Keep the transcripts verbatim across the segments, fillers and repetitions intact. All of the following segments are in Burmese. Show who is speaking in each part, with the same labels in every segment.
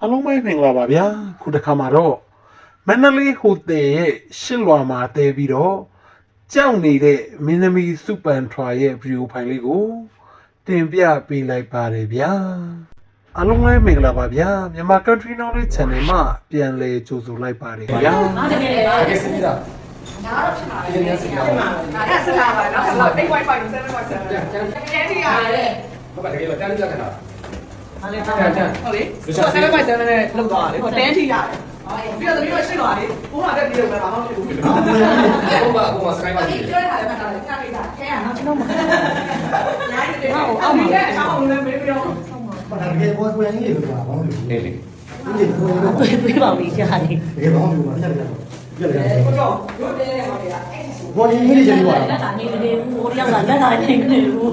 Speaker 1: အားလုံးပဲမင်္ဂလာပါဗျာခုတစ်ခါမှာတော့မန္တလေးဟိုတယ်ရဲ့ရှစ်လွာမှာတဲပြီးတော့ကြောက်နေတဲ့မင်းသမီးစုပန်ထွာရဲ့ဗီဒီယိုဖိုင်လေးကိုတင်ပြပေးလိုက်ပါတယ်ဗျာအားလုံးပဲမင်္ဂလာပါဗျာမြန်မာ Country Knowledge Channel မှာပြန်လည်ကြိုဆိုလိုက်ပါတယ်ဗျာ
Speaker 2: အားတကယ်လေအားတကယ်စနေတာဒါတော့ဖြစ်မှာလေဖြစ်မှာဒါကစတာပါနော်အဲ့ eight point five seven point seven ကျန်ကျန်တကယ်ကြီးရတယ်
Speaker 3: ဟုတ်ပါတကယ်တော့တန်းကြခဏ
Speaker 2: ဟာလေဟုတ်တယ်ဟုတ်လေ seven point seven နဲ့လောက်သွားတယ်ဟိုtenထိရတယ်ပြီးတော့ပြီးတော့ရှင်းသွားတယ်ကိုကတက်ပြီးတော့ဘာမှမဖြစ်ဘူးဟုတ်
Speaker 3: ပါအခုမှစကိုင်းပါကြည့်
Speaker 2: ပြောရတာလည်းမှတ်တာလေကြားလိုက်တာခဲရနော်ကျွန်တော်မနိုင်တယ်ဟောအောက်မှာလည်းအောက်မှာလည်းမေးပြီးတော့
Speaker 4: ဘာတကယ်ဘောကိုရင်းလေးလို့ပြောတာဘာလို့လဲ
Speaker 3: နေလေ
Speaker 4: ဒီကိုရော
Speaker 5: တွေးတွေးပါလိမ့်ရှာတယ်
Speaker 4: တကယ်ဘာလို့ပြောတာဆက်ပြရအောင်ပြရအောင်
Speaker 2: ကိုတော့တို့တဲဟောတယ်အဲ့ဒီ
Speaker 4: ဘောရင်းလေးချင်ပြောတာ
Speaker 5: လက်သာနေနေဘူးဟိုတယောက်ကလက်သာနေနေဘူး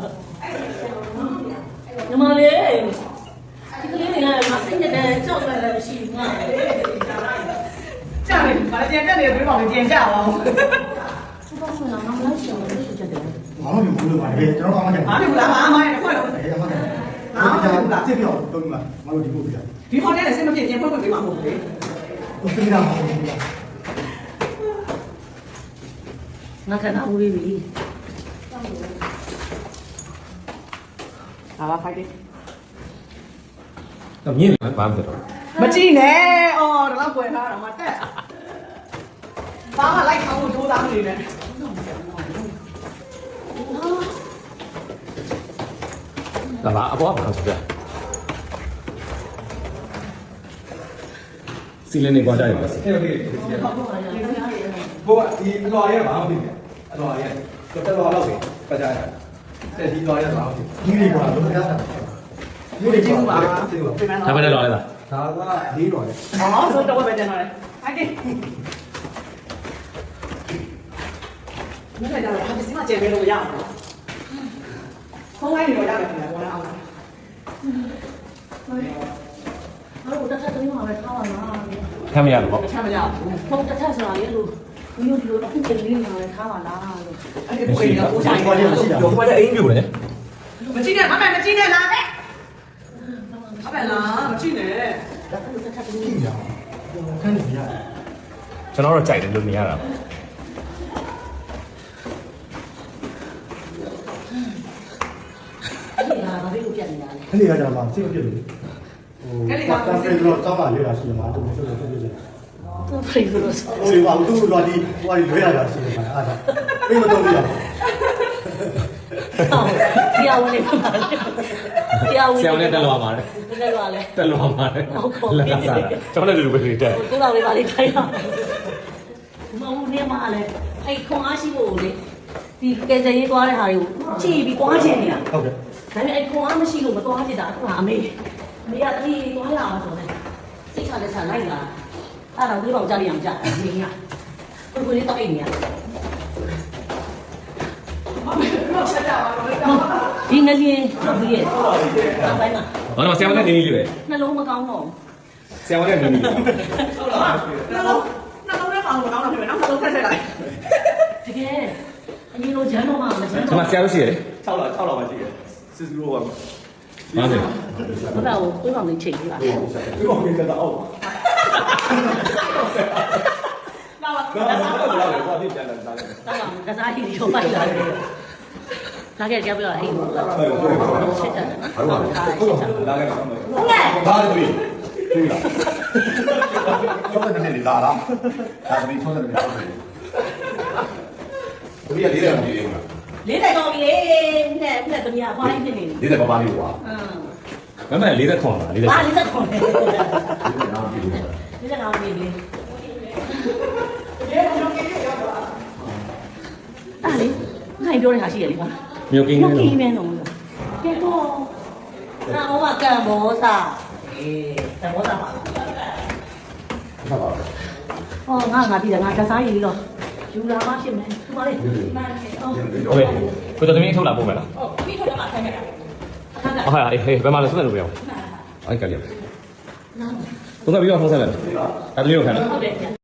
Speaker 5: ညီမလေးဒီကလေးတွေကမစိတ်နဲ့ကြောက်ရတယ်မရှိဘူးငါ
Speaker 2: ကြားတယ်ဘာလဲကြံတက်နေတွေးပါမယ်ကြံကြပါဦး
Speaker 5: သူကဆိုတာငါမလိုက်ရှောင်လို့ရှိချက်တယ်
Speaker 4: ဘာလို့ပြောလို့ပါလဲကျွန်တော်အမှန်တကယ်
Speaker 2: ဘာလို့လဲဘာမှမရခွက်တော့
Speaker 4: အေးအမှန်တကယ်ငါကကြည့်ပြောတော့ဒီမှာငါတို့ဒီကိုပြ
Speaker 2: ဒီဟိုတယ်နဲ့စင်မဖြစ်ချင်းဖွင့်ဖွင့်ပေးမှာမဟုတ်ဘူးလေ
Speaker 4: ကိုပြတာမဟုတ်ဘူး
Speaker 5: ငါကနာဦးပြီ
Speaker 2: ဟာပါဖိုက်တယ်
Speaker 3: တော့မြင်တယ်ဘာမှမဖြစ်တော့
Speaker 2: မကြည့်နဲ့အော်ဒါတော့ပွယ်ထားတာမှတက်ဘာမှလိုက်ခေါင်းကိုကြိုးစားနေတယ်
Speaker 3: ဒါပါအပေါ်ကဘာဆိုပြစီလင်းနေကြတယ်ပဲအေးโอเคဘိုးကဒီအလွာရဲဘာမှမဖြစ်ဘူးအလွာရဲတော့တက်လွာတော့ပဲပတ်ကြရတယ်တဲ့ဒီလွာရဲဘာမှမဖြစ်
Speaker 4: ဒီလေးကလုံးဝရတာ
Speaker 2: ဒီလိုကြည့်ပါပြင်
Speaker 3: ဒါပဲလွာရဲလား
Speaker 4: ဒါကလေးတော့လေ
Speaker 2: ဟောဆိုတော့ပဲတင်တော့လေโอเคမင်းကလည်းဟာဒီမှာကျေပေးလို့ရအောင်ခေါင်းလိုက်နေတော့ရတယ်ခင်ဗျာဘောလားအောင်
Speaker 5: အဲ့တော့တစ်ခါတည်းမှပဲထားပါလား
Speaker 3: ခံမရတော့
Speaker 2: ချမ်းမရဘူး
Speaker 5: ဟုတ်တစ်ခါဆိုတာလေလို့ဘယ်လိုဒီလိုအခုတည်းလေးမှပဲထားပါလားလို့
Speaker 2: အဲ့ဒီကိုယ်ကကိုဆိုင်
Speaker 4: ဘောလေးမရှိတာ
Speaker 3: ဘိုးကလည်းအိမ်ပြိုတယ်
Speaker 2: မကြည့်နဲ့မမမကြည့်နဲ့လားတဲ့အမေလားမကြည့်နဲ့
Speaker 5: ဒါကတစ်ခါတည်း
Speaker 4: ကြည့်ရအောင်ခန်းနေရ
Speaker 3: ကျွန်တော်တော့ကြိုက်တယ်လို့နေရတာ
Speaker 5: အဲ့ဒါဘာဖြစ်လို့ပြတ်နေတာလဲ
Speaker 4: ခန်းနေရကြမှာစိတ်ပြည့်လို့ဟိုပတ်တာပြေလို့တောင်းပါလေတာရှိမှာတူတူတူတူ
Speaker 5: သူဖိတ်လို့ဆို
Speaker 4: ဟိုဘာလို့သူ့လော်ဒီဟိုအရွေးရတာရှိမှာအားသာပြေမတော့ဘူးရ
Speaker 5: ဟုတ်တရားဝင်နေပါတရားဝင်
Speaker 3: ဆရာနဲ့တက်လွာပါတယ်
Speaker 5: တက်လွာလဲ
Speaker 3: တက်လွာပါတယ်လက်ကစားတာကျွန်တော်လည်းလူပဲတက်
Speaker 5: ကိုတော်လေးပါလေးထိုင်အောင်မဟုတ်နေမှာလဲအဲ့ခွန်အားရှိဖို့လေဒီကဲစရေးသွားတဲ့ဟာတွေကိုကြည့်ပြီးသွားချင်နေတာ
Speaker 4: ဟုတ်ကဲ့
Speaker 5: ဒါပေမဲ့အဲ့ခွန်အားမရှိလို့မသွားချင်တာအခုကအမေအမေကတတိသွားရအောင်ဆိုတယ်စိတ်ချလက်ချလိုက်လာအဲ့တော့ဒီဘောင်ကြားရအောင်ကြားအမေကကိုကိုလေးတော့အိမ်နေရဒီငလျင်ထုတ်ပြီးရဲ့နောက်ပိုင်းမှာ
Speaker 3: ဘာလို့ဆရာမနဲ့နေနေလေ
Speaker 5: နှလုံးမကောင်းတော့
Speaker 3: ဆရာမနဲ့နေနေ
Speaker 2: ဟုတ်လားနှလုံးနှလုံးနဲ့ပေါင်းလို့ကောင်းတာဖြစ်မယ်နောက်နှလုံးထက်ထက်လိုက်
Speaker 5: တကယ်အရင်လိုဂျန်တော့မှမဂျန်
Speaker 3: တော့ဆရာတို့ရှိရတယ်
Speaker 6: ၆လောက်၆လောက်မှရှိတယ်စစ်စုလို့ပါ
Speaker 3: ဘာလဲ
Speaker 5: ဘုရားကိုကိုယ်ကောင်လေးချိန်ပြီးပါ
Speaker 6: ဒီကောင်ကြီးကတော့အောက်
Speaker 2: လာပါ
Speaker 6: ဒါဆိုတော့လည်းဘာဖြစ်ပြန်လဲစားတယ်
Speaker 5: တောက်ကကစားကြီးရောပိုက်လာတယ်ဒါကကြောက်ပြတော့ဟိတ်ဘူးရှစ်တက်တယ်နော်
Speaker 6: ဟုတ်ပါဘူးလာခဲ့ပါမယ်
Speaker 2: ဟုတ်ကဲ့
Speaker 6: ဘာလို့ဒီဒီလားကျောင်းတဲ့နေလာလားဒါသမီးကျောင်းတဲ့နေလာတယ်ဒီကလေးတယ်မကြည့်ဘူးလား
Speaker 5: လေးတိုင်ကောင်းပြီလေနဲ့နဲ့တမယာဖွားရင်းဖြစ်နေ
Speaker 6: လေးတယ်ပါပါလေးကွာ
Speaker 3: မမလေးသက်ခွန်လားလေးသက်
Speaker 5: ပါလေးသက်ခွန်လေ
Speaker 6: လေးတယ်နားကြည့်ဘူး
Speaker 5: လေးသက်ကောင်းပြီလေအဲ့လေငါ့ပြောတဲ့ဟာရှိရလေကွာ
Speaker 3: မြို့ကင်း
Speaker 5: နေတော့မြို့ကင်းနေတော့ကဲတော့နာဟောကကံမောစာအေးကံမောစာပါ
Speaker 6: ဟုတ်ပါဘူး
Speaker 5: ဟောငါငါဒီကငါကစားရည်တော့ယူလာမှဖြစ်မယ်ဒီပါလေမှန်တယ်ဟုတ်
Speaker 3: โอเคကိုတော်သမီးထုတ်လာပို့မယ်လား
Speaker 5: ဟုတ်ပြီးထုတ်တော့မှခိုင်းမယ်
Speaker 3: ဟုတ်ကဲ့ဟေးဘယ်မှာလဲဆက်လို့ပြောအဲ့ကလေးဘုံကပြီးတော့ဖုန်းဆက်လိုက်အဲ့သမီးကိုခံလား
Speaker 5: ဟုတ်တယ်